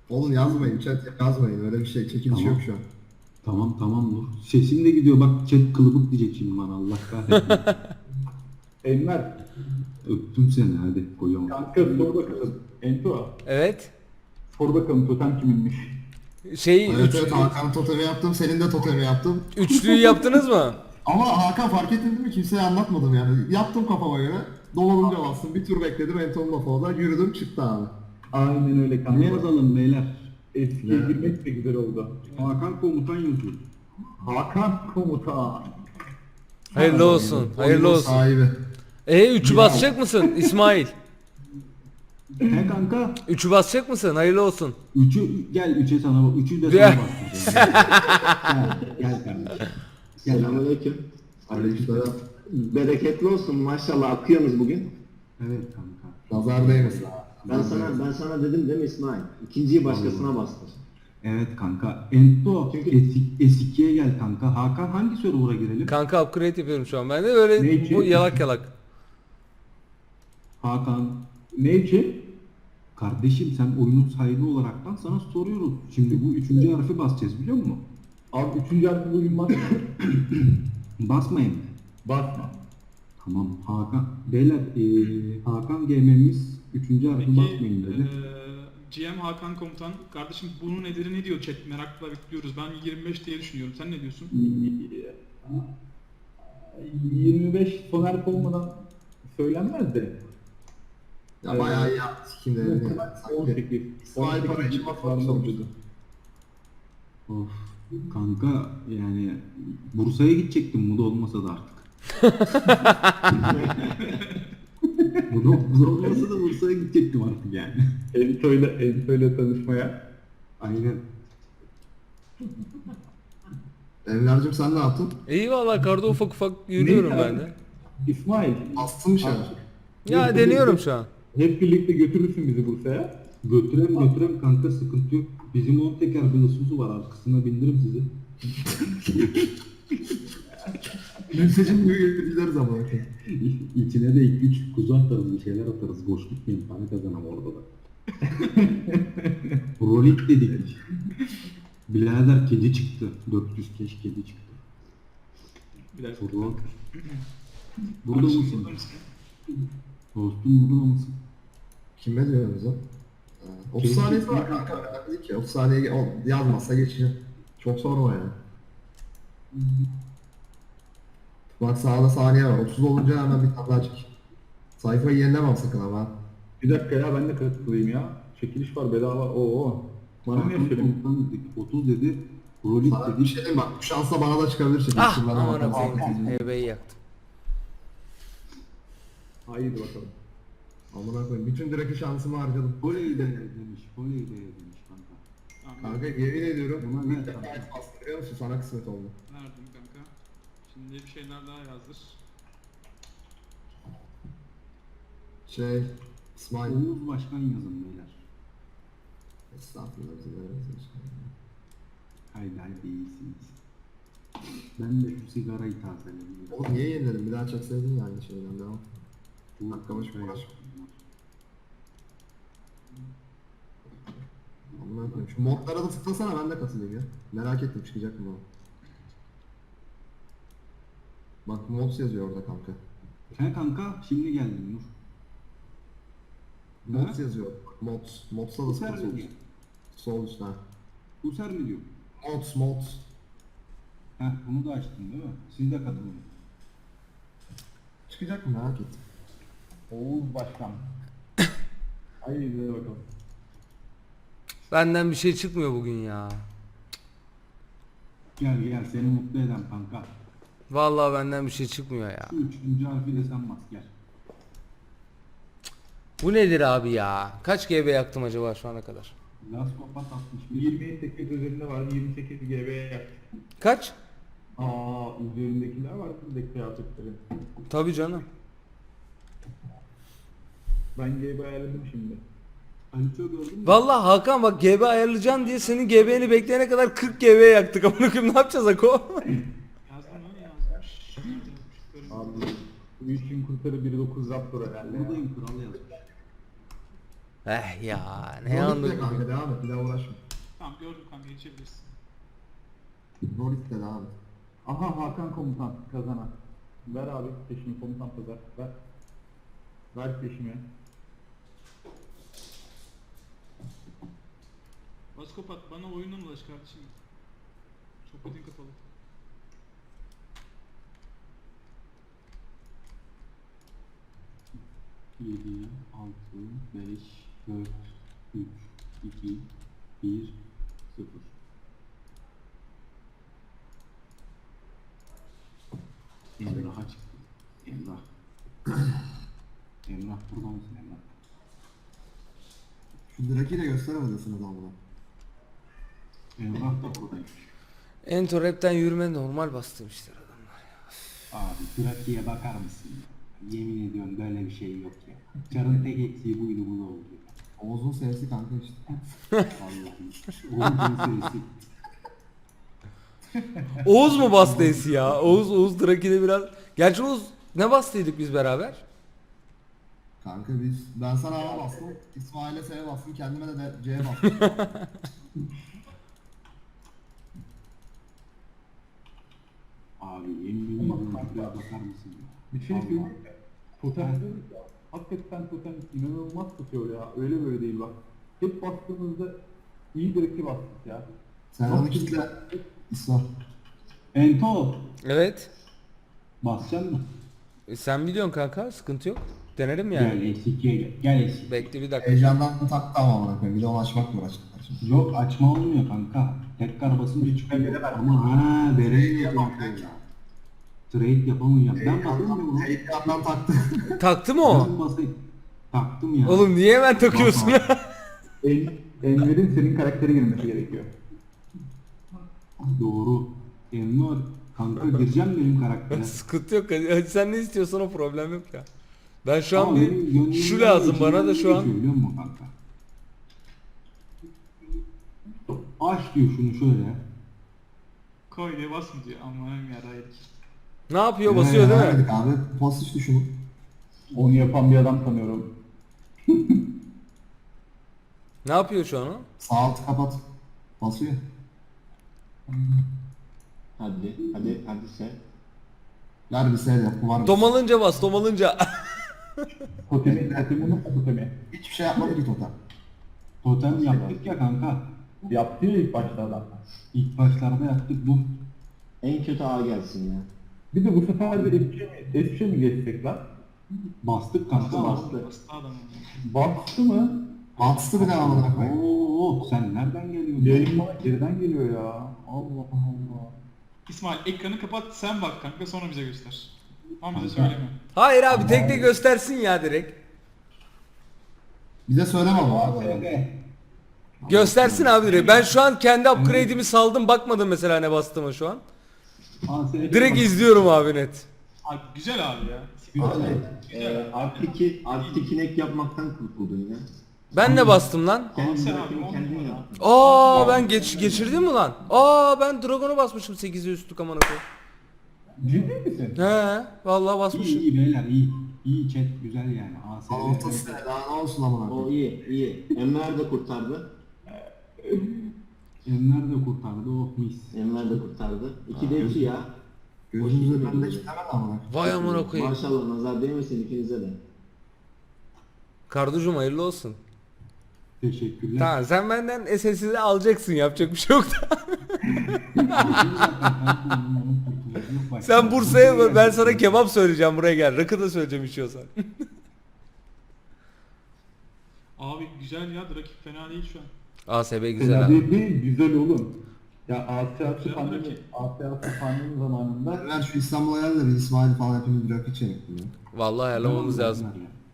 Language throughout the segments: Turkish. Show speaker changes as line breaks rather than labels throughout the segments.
Oğlum yazmayın chat, yazmayın, öyle bir şey çekiliş yok
Tamam.
şu an.
Tamam Nur. Sesim de gidiyor. Bak chat kılıbık diyecek şimdi bana. Allah kahretsin.
Enver,
Öptüm seni hadi koyalım.
kanka sor bakalım. Ento,
Evet.
sor bakalım totem kiminmiş?
Evet evet, Hakan totemi yaptım, senin de totemi yaptım.
Üçlüyü yaptınız mı?
Ama Hakan fark ettin değil mi? Kimseye anlatmadım yani. Yaptım kafama göre. Dolanınca bastım. Bir tur bekledim. Enton'un lafı orada. Yürüdüm çıktı abi.
Aynen öyle kanka.
Ne yazalım beyler?
Eskiye
Ne?
girmek de güzel oldu.
Hakan komutan yazıyor.
Hakan komutan.
Hayırlı olsun. Hayırlı
Oyunun
olsun.
sahibi.
Üçü basacak mısın İsmail?
He kanka.
Üçü basacak mısın? Hayırlı olsun.
Gel üçe sana bak. Üçü de
Gel.
sana bastıracağım. Gel kardeşim. Gel.
Selamünaleyküm.
Aleykümselam.
Bereketli olsun maşallah akıyorsunuz bugün.
Evet kanka.
Nazar değmesin.
Ben sana dedim değil mi İsmail? İkinciyi başkasına bastır.
Evet kanka. Ento
Çünkü-
S2'ye gel kanka. Hakan hangi server'a girelim?
Kanka upgrade yapıyorum şu an ben de öyle
Ne için?
bu yalak yalak.
Hakan.
Ne için?
Kardeşim sen oyunun sahibi olaraktan sana soruyoruz. Şimdi bu üçüncü harfi basacağız biliyor musun?
Abi üçüncü harfi bugün basma.
Basmayın.
Basma.
Tamam Hakan. Beyler Hakan GM'miz üçüncü harfi
Peki
basmayın dedi.
GM Hakan Komutan, kardeşim bunun nedeni ne diyor chat, merakla bekliyoruz. Ben 25 diye düşünüyorum, sen ne diyorsun?
25 son harf olmadan söylenmez de.
Ya bayağı iyi yaptı. Kim de sanki.
18.
İsmail para için
civarında oluyordu.
Of kanka yani Bursa'ya gidecektim bu da olmasa da artık. bu da olmasa da Bursa'ya gidecektim artık yani.
Ento'yla tanışmaya.
Aynen.
Enver'cim sen ne yaptın?
İyi valla karda ufak ufak yürüyorum
Neyse
ben
abi.
de.
İsmail.
Bastın mı şey?
Ya deniyorum şu an.
Hep birlikte götürürsün bizi Bursa'ya.
Götürem kanka sıkıntı yok. Bizim 10 teker bir ısımızı var arkasına bindiririm sizi.
Mültecim gibi gideriz ama.
İçine de 2-3 kuzu atarız bir şeyler atarız. Boş gitmeyin para kazanam orada da. Rolik dedik. Birader kedi çıktı. 400 keş kedi çıktı.
Bir dakika.
Burada burada
Kardeşim,
mısın?
burada mısın?
Dostum burada mısın?
Kime diyoruz o? 30 saniyesi var kanka. Önemli değil ki. 30 saniye yazmazsa geçeceğim. Çok sorma yani. Bak sağda saniye var. 30 olunca hemen bir tane daha çek. Sayfayı yenilemem sakın ama.
Bir dakika ya ben de katılayım ya. Çekiliş var bedava. Oo. Bana niye
Hakan
söylemiyorsun?
komutan dedik. 30 dedi. Rolik
Sana bir
dedi.
şey diyeyim bak. Bu şansla bana da çıkabilir şimdi.
Ah
Şuradan
aman
bakalım.
koyayım. Hebeyi yaktım.
Haydi bakalım.
Amına koyayım. Bütün direkt şansımı harcadım.
Oley de demiş. Oley de demiş kanka.
Tamam,
Kanka yemin ediyorum.
Buna
İlk
ver
defa
kanka.
et bastım biliyor musun? Sana kısmet oldu.
verdim kanka. Şimdi bir şeyler daha yazdır.
Şey, İsmail.
Oğuz Başkan yazın beyler.
Estağfurullah. Bizi veririz.
Haydi iyisiniz. Ben de şu sigarayı tazeleyeyim.
Oğlum niye yeniledin? Bir daha çekseydin ya aynı şeyden devam. Dakika başı uğraş. Amına koyayım. Şu modlara da tıklasana, ben de katılayım ya. Merak ettim çıkacak mı o? Bak mods yazıyor orada kanka.
He kanka şimdi geldin Nur.
Mods yazıyor. Mods. Mods'a da
User
tıkla
mi
sol
diyor?
üst. Sol üstten.
User mi diyor?
Mods.
Heh bunu da açtın değil mi? Siz de katılın.
Çıkacak mı merak ettim.
Oğuz Başkan. Haydi bakalım.
Benden bir şey çıkmıyor bugün ya.
Gel seni mutlu eden kanka.
Vallahi benden bir şey çıkmıyor ya.
Şu üçüncü harfi de sen bas gel.
Bu nedir abi ya? Kaç GB yaktım acaba şu ana kadar?
Last Kopat 61.
28 üzerinde var. 28 GB yaptı.
Kaç?
Üzerindekiler var. Buradaki kıyafetlerin.
Tabii canım.
Ben GB ayarladım şimdi.
Aliço gördün mü?
Vallahi Hakan bak GB ayarlayacaksın diye senin GB'ni bekleyene kadar 40 GB yaktık. Amına koyayım ne yapacağız Ako?
Yazdı mı? Yazmış. Nerede yazmış? Görmedim.
Abi bu işin kurtarı 1.9 Raptor herhalde.
Buradayım kral yazmış.
Ya ne
Rolik'le
anlık.
kanka devam et. Bir daha uğraşma.
Tamam gördüm kanka geçebilirsin.
Rolik'le devam et.
Aha Hakan komutan kazanan. Ver abi peşimi komutan pazar. Ver. Ver peşimi.
Vaskopat bana oyundan ulaş kardeşim. Sohbetin kapalı.
Yedi, altı, beş, dört, üç, iki, bir, sıfır. Emrah'a çıktı. Emrah. Emrah burada mısın Emrah?
Şu Draki'yi de gösteremedesiniz ama.
Emrah da buradaymış.
Ento rapten yürüme normal bastırmışlar adamlar.
Abi grafiğe bakar mısın ya? Yemin ediyorum böyle bir şey yok ya. Çarın tek eksiği buydu bu da oldu.
Oğuz'un sevsi kanka işte.
Vallahi. Oğuz'un serisi.
Oğuz mu bastıydı ya? Oğuz Draki'de biraz... Gerçi Oğuz ne bastıydık biz beraber?
Kanka ben sana A bastım. İsmail'e S bastım. Kendime de C bastım.
Abi yemin ediyorum şuraya bakar mısın ya?
Bir şey
Allah.
söyleyeyim mi? Totem diyoruz ya. Hakikaten totem inanılmaz tutuyor ya. Öyle böyle değil bak. Hep bastığımızda iyi direkti bastık ya.
Sen onu kitle. İsmail.
Ento
Evet.
basacaksın mı?
Sen biliyorsun kanka, sıkıntı yok. Denerim yani.
Gel eskiye gel. Gel eski.
Bekle bir dakika.
Heyecandan taktı ama amına koyayım. Bir de onu açmakla uğraştılar şimdi.
Yok açma olmuyor kanka. Tekrar basınca çıkıyor. Ama ha bereyi yapamıyor ya. Trade yapamayacağım. Ben basayım mı bunu?
Heyecandan taktı.
Taktı mı o?
Ben basayım. Taktım ya.
Oğlum niye hemen takıyorsun?
Enver'in senin karaktere girmesi gerekiyor.
Doğru. Enver kanka gireceğim benim karaktere.
Sıkıntı yok. Hadi sen ne istiyorsan o problem yok ya. Ben şu an
Ama benim
bir
gönlümden
şu lazım
içimden
bana da
ne
şu an.
geçiyor biliyor musun kanka? Aç diyor şunu şöyle.
Koy diye basma diyor. Amanım yaraydık.
Ne yapıyor? Basıyor değil mi?
Vermedik abi. Pozitif düşünün.
Onu yapan bir adam tanıyorum.
Ne yapıyor şu an o?
Sağ altı kapat. Basıyor.
Hadi sen.
Ver bir S yap. Bu var mı?
Domalınca bas, domalınca.
Totemi nasıl totemi?
Hiçbir şey yapmadı ki totem.
Totem yaptık ya kanka.
Yaptı ya ilk başta adam.
İlk başlarda yaptık bu.
En kötü A gelsin ya.
Bir de bu sefer de F3'e mi geçsek lan?
Bastık kanka.
Bastı.
Bastı adam.
Bastı mı?
Bastı bir de amına koyayım.
Oo sen nereden geliyorsun?
Yayın bana geriden geliyor ya. Allah Allah.
İsmail ekranı kapat sen bak kanka sonra bize göster. Ama bize
Kanka.
söyleme.
Hayır abi tek de göstersin ya direkt.
Bize söyleme ama abi.
Göstersin abi direkt. Ben şu an kendi upgrade'imi saldım, bakmadım mesela ne bastığıma şu an. Direkt izliyorum abi net.
Abi güzel abi ya.
Abi,
Artı kinek yapmaktan kurtuldun ya.
Ben ne bastım lan?
Kendi
Sen
rakibini
abi,
kendin
on numara.
yaptın.
Aa ben geçirdim mi lan? Aa ben Dragon'a basmışım 8'e üstlük amına koyayım.
Ciddi misin?
He vallahi
İyi
basmışım.
iyi beyler iyi. İyi chat güzel yani.
ortası daha ne olsun amına
O
koyayım.
iyi. Enver de kurtardı.
Enver de kurtardı oh mis.
Enver de kurtardı. 2'de 2 ya.
Gözümüzü bende kitlemedi amına koyayım.
Vay amına koyayım.
Maşallah nazar değmesin ikinize de.
Karducum hayırlı olsun.
Teşekkürler.
Tamam sen benden SS'i alacaksın, yapacak bir şey yok da. Sen Bursa'ya ben sana kebap söyleyeceğim, buraya gel. Rakı da söyleyeceğim içiyorsan.
Abi güzel ya rakip fena değil şu an.
ASB güzel
Güzel
abi.
değil, güzel oğlum. Ya Asya
Güzel
pandemi,
rakip.
Asya pandemi zamanında
Ver şu İstanbul'a gel de bir İsmail falan hepimiz bir rakı içelim.
Vallahi ayarlamamız lazım.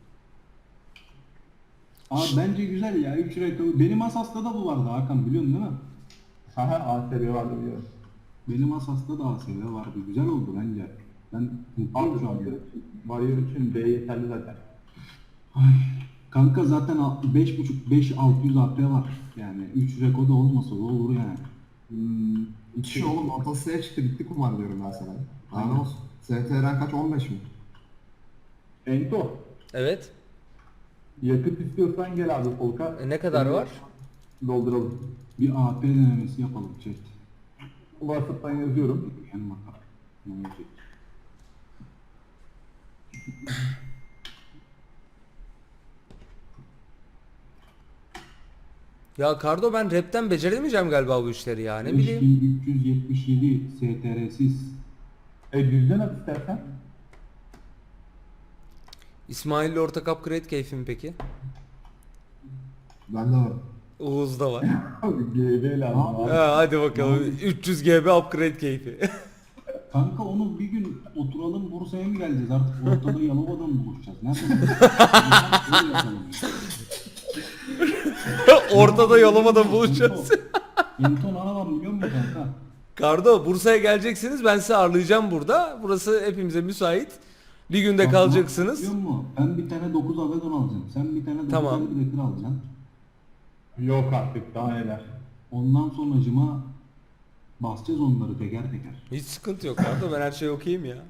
Abi bence güzel ya 3 rekabı. Benim Asas'ta da bu vardı Hakan biliyorsun değil mi?
Aha ASB vardı biliyorum.
Benim Asas'ta da ASV vardı. Güzel oldu bence. Ben mutluyum şu an.
Warrior için B yeterli zaten.
Ay, kanka zaten 5.5-5-600 AP var. Yani 3 rekoda olmasa da olur yani.
İki oğlum ortası S'ye çıktı bitti kumar diyorum ben sana. Daha ne
Aynen.
olsun. STR'n kaç 15 mi?
Ento,
Evet.
Yakıt istiyorsan gel abi Polka.
Ne kadar var?
Dolduralım.
Bir AP denemesi yapalım chat.
WhatsApp'tan yazıyorum.
En bakar. Ne olacak?
Ya Kardo ben rapten beceremeyeceğim galiba bu işleri ya. Ne bileyim.
5377 STR'siz.
Düzden at istersen.
İsmail'le ortak upgrade keyfim peki?
Bende var.
Oğuz'da var.
Abi GB lazım abi.
Ha, hadi bakalım. 300 GB upgrade keyfi.
Kanka onu bir gün oturalım Bursa'ya mı geleceğiz artık ortada Yalova'da mı buluşacağız? Nerede? Öyle yapalım ya.
Ortada Yalova'da buluşacağız.
Yenton arabam biliyor musun kanka?
Kardo Bursa'ya geleceksiniz. Ben sizi ağırlayacağım burada. Burası hepimize müsait. Bir günde
Bak,
kalacaksınız.
Biliyor musun? Ben bir tane 9 Avegon alacağım. Sen bir tane 9
Tamam.
Avegon alacaksın.
Yok artık daha neler.
Ondan sonracıma basacağız onları teker teker.
Hiç sıkıntı yok Kardo. Ben her şeyi okuyayım ya.